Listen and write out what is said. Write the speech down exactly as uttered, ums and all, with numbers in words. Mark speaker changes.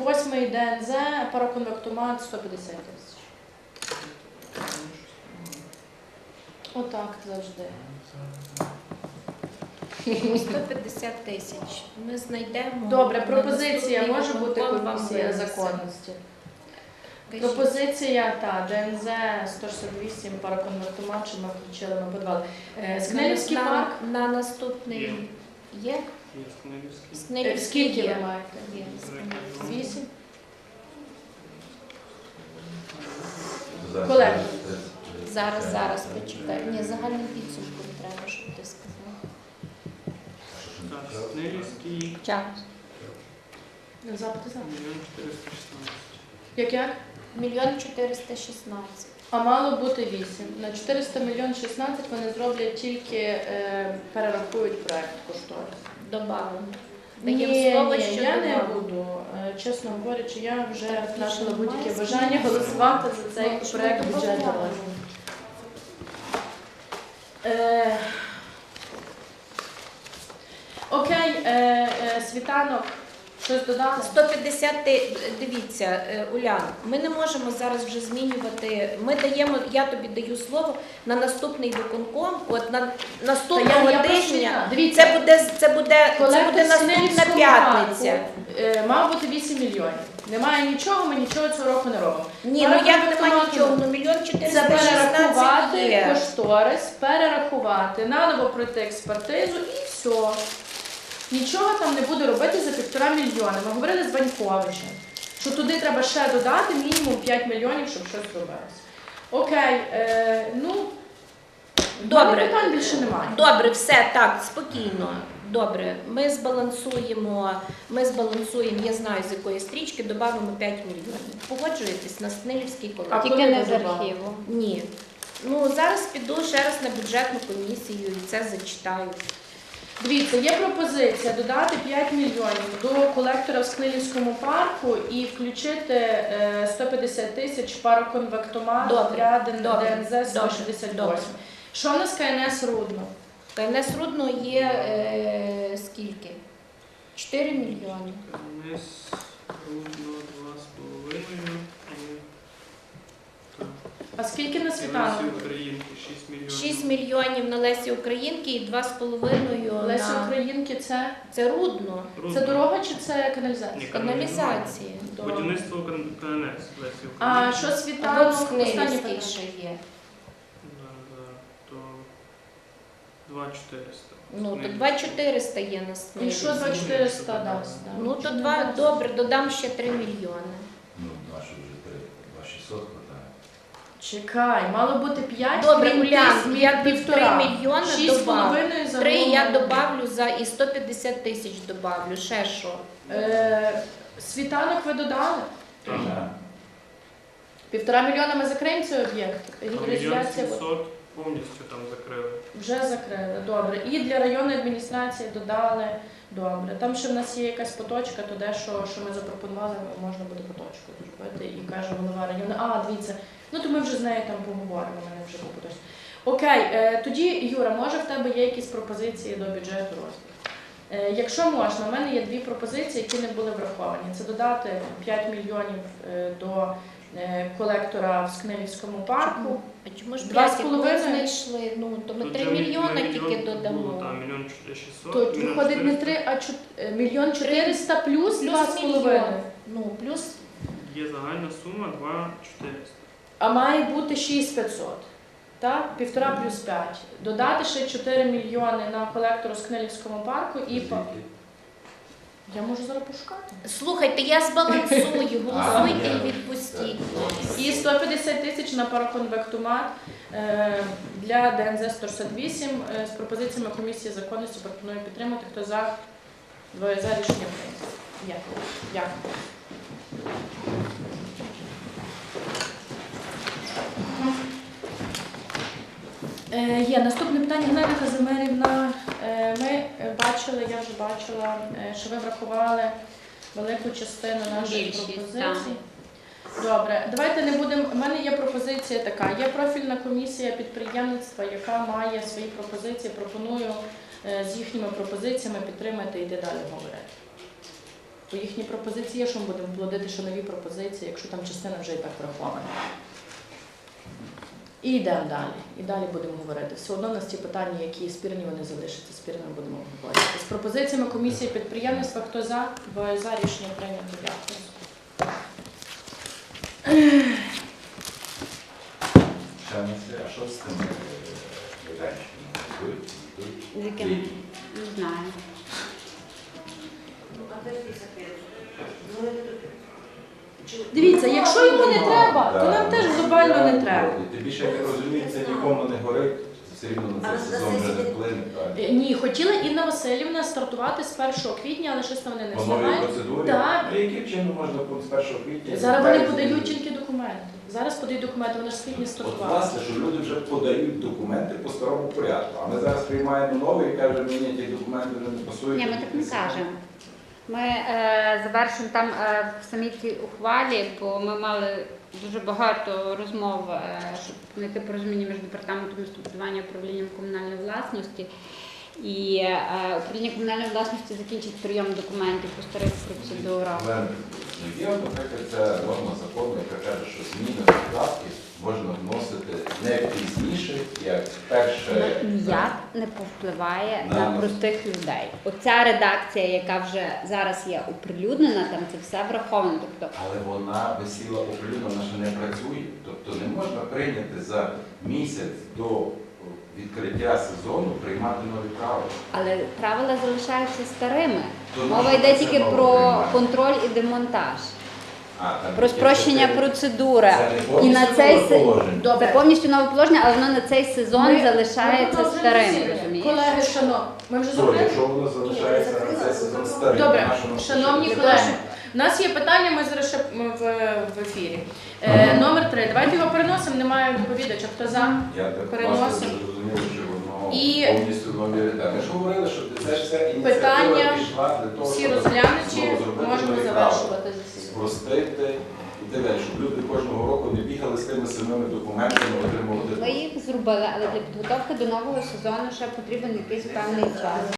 Speaker 1: восьмий Д Н З, пароконвектомат сто п'ятдесят тисяч. Отак завжди.
Speaker 2: сто п'ятдесят тисяч. Ми знайдемо.
Speaker 1: Добре,
Speaker 2: на
Speaker 1: пропозиція
Speaker 2: наступний
Speaker 1: може бути
Speaker 2: виконком вам
Speaker 1: комісія
Speaker 2: винесемо.
Speaker 1: законності.
Speaker 2: Кажіть.
Speaker 1: Пропозиція, та, Д Н З сто шістдесят вісім, пароконвертомат, що ми включили, ми подавали. Е, Скнелівський
Speaker 2: на,
Speaker 1: парк,
Speaker 2: на наступний
Speaker 3: Є.
Speaker 2: є?
Speaker 3: Є Скнелівський.
Speaker 1: е,
Speaker 2: Снилівський
Speaker 1: скільки
Speaker 2: є.
Speaker 1: ви маєте?
Speaker 2: Є, Снилівський.
Speaker 1: Вісім? Колеги.
Speaker 2: Зараз, зараз почекай. Ні, загальним підсумком треба, щоб ти сказав.
Speaker 3: Так, Скнелівський,
Speaker 2: Час.
Speaker 1: Запити за.
Speaker 3: мільйон чотириста шістнадцять.
Speaker 1: Як як?
Speaker 2: Мільйон чотириста шістнадцять.
Speaker 1: А мало бути вісім. На чотириста мільйон шістнадцять вони зроблять тільки, е, перерахують проект кошторис.
Speaker 2: Добавимо.
Speaker 1: Ні,
Speaker 2: Даємо слово,
Speaker 1: ні,
Speaker 2: що
Speaker 1: я не
Speaker 2: добавимо.
Speaker 1: буду. Е, Чесно говорячи, я вже
Speaker 2: Так,
Speaker 1: втратила
Speaker 2: більше
Speaker 1: будь-яке
Speaker 2: немає
Speaker 1: бажання
Speaker 2: змін.
Speaker 1: голосувати за цей
Speaker 2: Ну, що
Speaker 1: проект
Speaker 2: ми
Speaker 1: бюджету.
Speaker 2: добавляємо?
Speaker 1: Е, Окей, е, е, світанок, щось додати?
Speaker 2: сто п'ятдесят, ти- дивіться, е, Улян, ми не можемо зараз вже змінювати. Ми даємо, я тобі даю слово на наступний виконком, от на
Speaker 1: Та
Speaker 2: наступного
Speaker 1: я- я просто
Speaker 2: тижня.
Speaker 1: не- Дивіться,
Speaker 2: Це буде, це буде, це
Speaker 1: колектор
Speaker 2: буде наступна
Speaker 1: Снилівського
Speaker 2: п'ятниця.
Speaker 1: парку, е, мав бути вісім мільйонів. Немає нічого, ми нічого цього року не робимо.
Speaker 2: Ні, ну
Speaker 1: Парк
Speaker 2: як немає
Speaker 1: автомату.
Speaker 2: нічого, ну мільйон
Speaker 1: Це
Speaker 2: чотириста
Speaker 1: перерахувати
Speaker 2: шістнадцять є.
Speaker 1: кошторис, перерахувати, наново пройти експертизу і все. Нічого там не буде робити за півтора мільйона. Ми говорили з Ваньковичем, що туди треба ще додати мінімум п'ять мільйонів, щоб щось робилося. Окей, е, ну,
Speaker 2: Добре.
Speaker 1: питань більше немає.
Speaker 2: Добре, все, так, спокійно. Добре, ми збалансуємо, ми збалансуємо, я знаю, з якої стрічки, додамо п'ять мільйонів. Погоджуєтесь на Снилівський
Speaker 1: А
Speaker 2: колектор?
Speaker 1: коли
Speaker 4: Тільки не
Speaker 1: ви
Speaker 4: з
Speaker 1: добавите?
Speaker 4: архіву.
Speaker 2: Ні. Ну, зараз піду ще раз на бюджетну комісію і це зачитаю.
Speaker 1: Дивіться, є пропозиція додати п'ять мільйонів до колектора в Скнилівському парку і включити е, сто п'ятдесят тисяч пароконвектомат
Speaker 2: Добре,
Speaker 1: для ДНЗ
Speaker 2: добре,
Speaker 1: сто
Speaker 2: добре,
Speaker 1: шістдесят
Speaker 2: добре.
Speaker 1: восьм. Що в нас К Н С Рудно?
Speaker 2: К Н С Рудно є е, скільки? чотири мільйони.
Speaker 3: КНС Рудно два з половиною. і- Так.
Speaker 1: А скільки на
Speaker 3: І Лесі
Speaker 1: світанок?
Speaker 3: Українки шість мільйонів.
Speaker 2: шість мільйонів на Лесі Українки і два з половиною
Speaker 1: Лесі
Speaker 2: на...
Speaker 1: Українки це,
Speaker 2: Це Рудно.
Speaker 3: Рудно.
Speaker 1: це дорога чи це
Speaker 3: Ні,
Speaker 1: каналізація?
Speaker 2: Каналізації.
Speaker 3: Будівництво Кан- К Н С Лесі Українки.
Speaker 1: А що
Speaker 2: Або
Speaker 1: світанок?
Speaker 2: в
Speaker 1: Останнє
Speaker 2: Снилівській
Speaker 1: питання.
Speaker 2: ще є.
Speaker 3: Да, да, то два чотириста.
Speaker 2: Ну, то
Speaker 3: Снилівський.
Speaker 2: два чотириста є на
Speaker 1: І
Speaker 2: Снилівській.
Speaker 1: що два чотириста дасть? да?
Speaker 2: Ну, то два, добре, додам ще три мільйони.
Speaker 5: Ну, наші вже три, два шістсот хватає.
Speaker 1: Чекай, мало бути п'ять,
Speaker 2: Добре,
Speaker 1: крім
Speaker 2: Улян,
Speaker 1: тисяч,
Speaker 2: я три
Speaker 1: півтора.
Speaker 2: мільйони
Speaker 1: Шість з
Speaker 2: добавлю.
Speaker 1: половиною за
Speaker 2: Три я
Speaker 1: голову.
Speaker 2: добавлю за і сто п'ятдесят тисяч добавлю. Ще що?
Speaker 1: Е, Світанок ви додали?
Speaker 3: Так.
Speaker 1: Півтора мільйона ми закриємо цей об'єкт.
Speaker 3: Там мільйон
Speaker 1: Регіоналізація
Speaker 3: сімсот повністю там закрили.
Speaker 1: вже закрили. Добре. І для районної адміністрації додали. Добре. Там ще в нас є якась поточка, то дещо, що ми запропонували, можна буде поточку зробити. І каже голова району. А, дивіться, ну то ми вже з нею там поговоримо, в мене вже по поточці. Окей, е, тоді, Юра, може в тебе є якісь пропозиції до бюджету розвитку? Е, Якщо можна, в мене є дві пропозиції, які не були враховані. Це додати п'ять мільйонів е, до е, колектора в Скнилівському парку.
Speaker 2: А чому ж
Speaker 1: Два
Speaker 2: п'ять
Speaker 1: з
Speaker 2: як
Speaker 1: половиною?
Speaker 2: ми знайшли? Ну, то ми
Speaker 3: Тут
Speaker 2: три
Speaker 3: же мі-
Speaker 2: мільйони
Speaker 3: мільйон
Speaker 2: тільки
Speaker 3: було,
Speaker 2: додамо.
Speaker 3: Там мільйон шістсот.
Speaker 1: То
Speaker 3: мільйон
Speaker 1: виходить не
Speaker 3: чотириста.
Speaker 1: три, а чот- е, мільйон чотириста плюс два з
Speaker 2: мільйон.
Speaker 1: половиною.
Speaker 2: Ну, плюс
Speaker 3: Є загальна сума два чотириста.
Speaker 1: А має бути шість п'ятсот. Так? Півтора плюс п'ять. Додати ще чотири мільйони на колектору з Скнилівському парку і по... Я можу зараз пошукати.
Speaker 2: слухайте, я збалансую, голосуйте і відпустіть.
Speaker 1: І сто п'ятдесят тисяч на пароконвектомат е, для Д Н З сто шістдесят вісім е, з пропозиціями комісії законності пропоную підтримати. Хто за? Двоє за, рішення прийнято. Дякую. Дякую. Е, Є наступне питання. Геннадія Казимирівна. Е, Ми е, бачили, я вже бачила, е, що ви врахували велику частину наших
Speaker 4: Більшість,
Speaker 1: пропозицій. Добре, давайте не будемо. У мене є пропозиція така. Є профільна комісія підприємництва, яка має свої пропозиції. Пропоную е, з їхніми пропозиціями підтримати і йти далі говорити. Бо їхні пропозиції є, що ми будемо плодити, що нові пропозиції, якщо там частина вже і так врахована. І йдемо далі. І далі будемо говорити. Все одно у нас ті питання, які спірні, вони залишаться спірними, будемо говорити. З пропозиціями комісії підприємництва, хто за? Двоє за, рішення прийнято. Дякую.
Speaker 5: Ще не все. А що з тими майданчиками? Йдуть?
Speaker 4: З
Speaker 5: Йдуть?
Speaker 4: яким?
Speaker 5: Літні?
Speaker 4: Не знаю.
Speaker 1: Дивіться, якщо йому не треба, то нам теж глобально не треба.
Speaker 5: Тим більше, як я розумію, це нікому не горить, все рівно на цей сезон вже не вплине.
Speaker 1: Е, Ні, хотіла Інна Васильівна стартувати з першого квітня, але щось там вони не
Speaker 5: По новій
Speaker 1: встигають.
Speaker 5: процедурі?
Speaker 1: Так.
Speaker 5: А яким чином можна з першого квітня?
Speaker 1: Зараз вони
Speaker 5: березня?
Speaker 1: подають тільки документи. Зараз подають документи, вони ж з квітня
Speaker 5: От
Speaker 1: стартували.
Speaker 5: власне, що люди вже подають документи по старому порядку. А ми зараз приймаємо новий і кажемо, ні, ні, ті документи вже не пасують.
Speaker 4: Ні, ми так не кажемо. Ми е, завершимо там е, в самій цій ухвалі, бо ми мали дуже багато розмов, е, щоб знайти порозуміння між департаментом містобудування і управлінням комунальної власності. І е, управління комунальної власності закінчить прийом документів по старих процедурах.
Speaker 5: Але є, наприклад, ця норма закону, яка каже, що зміни в податки можна вносити не пізніше, як перше.
Speaker 4: Ніяк не повпливає
Speaker 5: На
Speaker 4: на
Speaker 5: нас.
Speaker 4: простих людей. Оця редакція, яка вже зараз є оприлюднена, там це все враховано. Тобто
Speaker 5: Але вона висіла оприлюднена, вона ще не працює. Тобто не можна прийняти за місяць до відкриття сезону приймати нові правила.
Speaker 4: Але правила залишаються старими.
Speaker 5: То
Speaker 4: Мова
Speaker 5: нащо
Speaker 4: йде
Speaker 5: це
Speaker 4: тільки
Speaker 5: нове
Speaker 4: про
Speaker 5: приймати?
Speaker 4: контроль і демонтаж,
Speaker 5: А, там
Speaker 4: про
Speaker 5: є
Speaker 4: спрощення
Speaker 5: чотири.
Speaker 4: процедури.
Speaker 5: Це не
Speaker 4: І на
Speaker 5: повністю
Speaker 4: цей
Speaker 5: нове
Speaker 4: се-
Speaker 5: положення.
Speaker 4: Це
Speaker 1: Добре.
Speaker 4: повністю нове положення, але воно на цей сезон
Speaker 1: Ми-
Speaker 4: залишається
Speaker 1: ми продовжуємо
Speaker 4: старим,
Speaker 1: засідання.
Speaker 4: розумієш?
Speaker 1: Колеги, шановні, ми вже
Speaker 5: Що,
Speaker 1: зробили?
Speaker 5: якщо воно залишається на цей сезон старий,
Speaker 1: Добре,
Speaker 5: то нашому
Speaker 1: шановні
Speaker 5: ще-
Speaker 1: колеги, у нас є питання, ми зараз ще м, в, в ефірі. Е, номер три. Давайте його переносимо, немає доповідача. Хто за?
Speaker 5: Я так
Speaker 1: Переносимо.
Speaker 5: власне зрозумів, що воно
Speaker 1: І-
Speaker 5: повністю нові редакції. Ми ж говорили, що це ж вся ініціатива
Speaker 1: Питання
Speaker 5: пішла для того,
Speaker 1: всі
Speaker 5: щоб
Speaker 1: розглянуті,
Speaker 5: знову зробити
Speaker 1: можемо
Speaker 5: нові
Speaker 1: завершувати засідання.
Speaker 5: спростити і так далі, щоб люди кожного року не бігали з тими самими документами, отримувати.
Speaker 4: Ми їх зробили, але для підготовки до нового сезону ще потрібен якийсь певний час.